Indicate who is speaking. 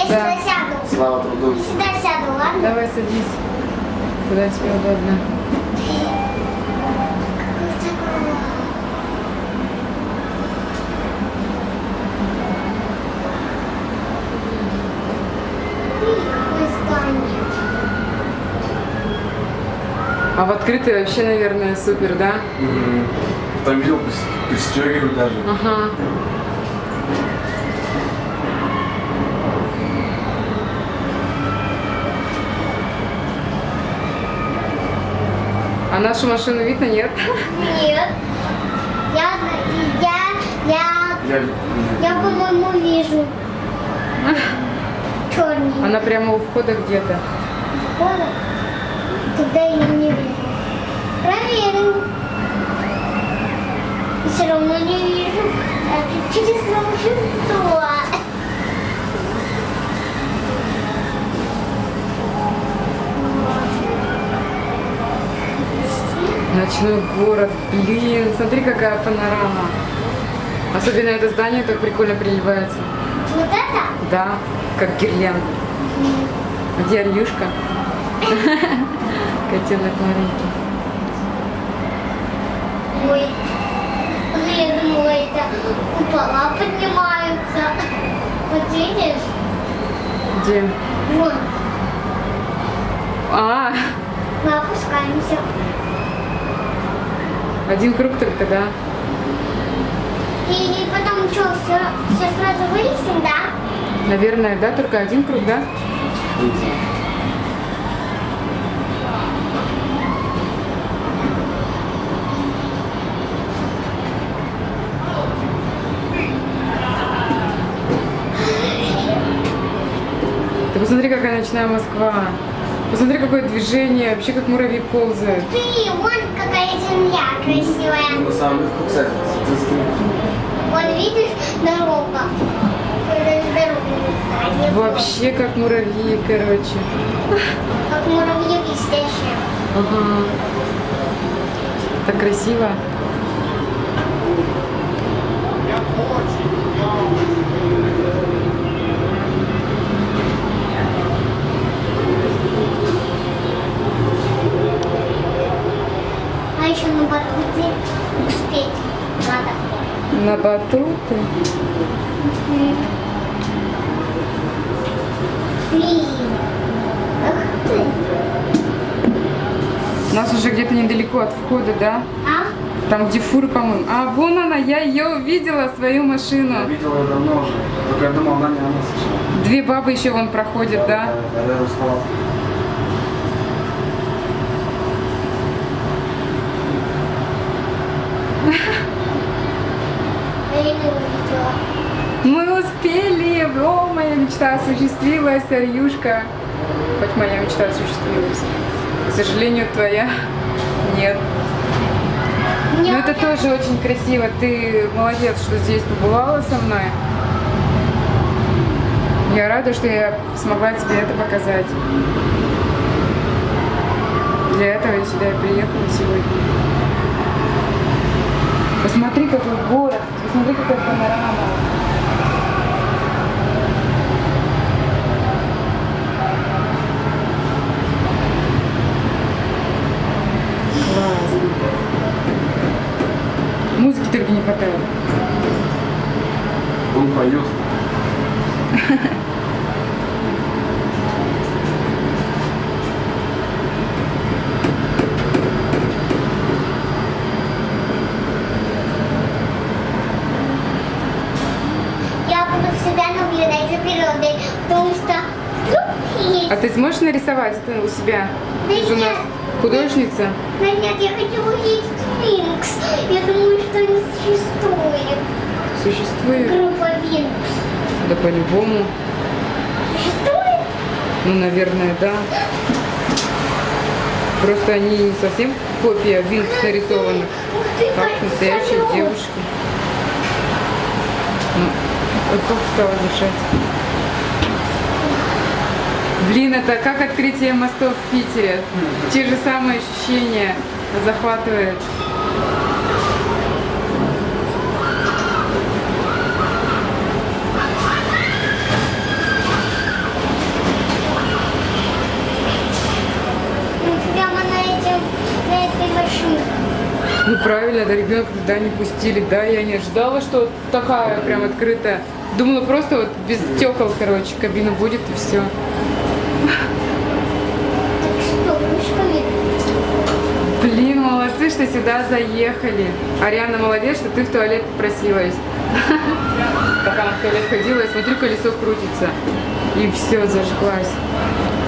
Speaker 1: сюда сяду.
Speaker 2: Слава труду.
Speaker 1: Сюда сяду, ладно?
Speaker 3: Давай садись. Куда тебе удобно.
Speaker 1: Какое здание.
Speaker 3: А в открытой вообще, наверное, супер, да?
Speaker 2: Там видел, пристегивают даже.
Speaker 3: Ага. А нашу машину видно, нет?
Speaker 1: Нет. Я, по-моему, вижу. Черный.
Speaker 3: Она прямо у входа где-то.
Speaker 1: Тогда я не вижу. Проверим. Все равно не вижу. Через волшебство.
Speaker 3: Ночной город. Блин, смотри, какая панорама. Особенно это здание так прикольно приливается.
Speaker 1: Вот это?
Speaker 3: Да, как гирлянда. Где Арьюшка? Котенок маленький.
Speaker 1: Ой, я думала, это купола поднимаются. Вот видишь?
Speaker 3: Где?
Speaker 1: Вон,
Speaker 3: А,
Speaker 1: мы опускаемся.
Speaker 3: один круг только, да?
Speaker 1: И потом что, все сразу вылезем, да?
Speaker 3: Наверное, да, только один круг, да? Ты посмотри, какая ночная Москва. Посмотри, какое движение, вообще как муравьи ползают.
Speaker 1: Ты, вон какая земля красивая.
Speaker 2: На самом деле, кстати,
Speaker 1: Вон, видишь, дорога. Даже дорога не знаю.
Speaker 3: Вообще как муравьи, короче.
Speaker 1: Как муравьи блестящие.
Speaker 3: Ага. Так красиво.
Speaker 1: А еще на батуте успеть надо.
Speaker 3: На батуты.
Speaker 1: Блин. Ах ты.
Speaker 3: У нас уже где-то недалеко от входа, да?
Speaker 1: А?
Speaker 3: Там, где фуры, по-моему. А, вон она, я ее увидела, свою
Speaker 2: я
Speaker 3: машину.
Speaker 2: видел ее давно уже. Только я думал, она не она сначала.
Speaker 3: Две бабы еще вон проходят, да?
Speaker 2: Да, я распалал.
Speaker 1: Я не увидела.
Speaker 3: Мы успели! О, моя мечта осуществилась, Арьюшка. Хоть моя мечта осуществилась. К сожалению, твоя нет. Но это тоже очень красиво. Ты молодец, что здесь побывала со мной. Я рада, что я смогла тебе это показать. Для этого я сюда и приехала сегодня. Посмотри, какой город, посмотри, какая панорама. Классно. Музыки только не хватает.
Speaker 2: Он поет.
Speaker 1: Я буду всегда наблюдать за природой, потому что вдруг есть.
Speaker 3: А ты сможешь нарисовать это у себя?
Speaker 1: Да
Speaker 3: Ты же у нас
Speaker 1: нет.
Speaker 3: художница.
Speaker 1: Да нет, я хочу увидеть Винкс. Я думаю, что не существует.
Speaker 3: Существует?
Speaker 1: Группа Винкс.
Speaker 3: Да по-любому.
Speaker 1: Существует?
Speaker 3: Ну, наверное, да. Просто они не совсем копия Винкс нарисованы,
Speaker 1: Ух ты,
Speaker 3: как настоящие
Speaker 1: самолет.
Speaker 3: девушки. Ну, вот как стало дышать. Блин, это как открытие мостов в Питере. Те же самые ощущения захватывает. Ну правильно, да, ребенка туда не пустили. Да, я не ожидала, что такая прям открытая. Думала, просто вот без стекол, короче, кабина будет и все.
Speaker 1: Так что, ручками?
Speaker 3: Блин, молодцы, что сюда заехали. Ариана, молодец, что ты в туалет попросилась. Пока она в туалет ходила, я смотрю, колесо крутится. И все, зажглась.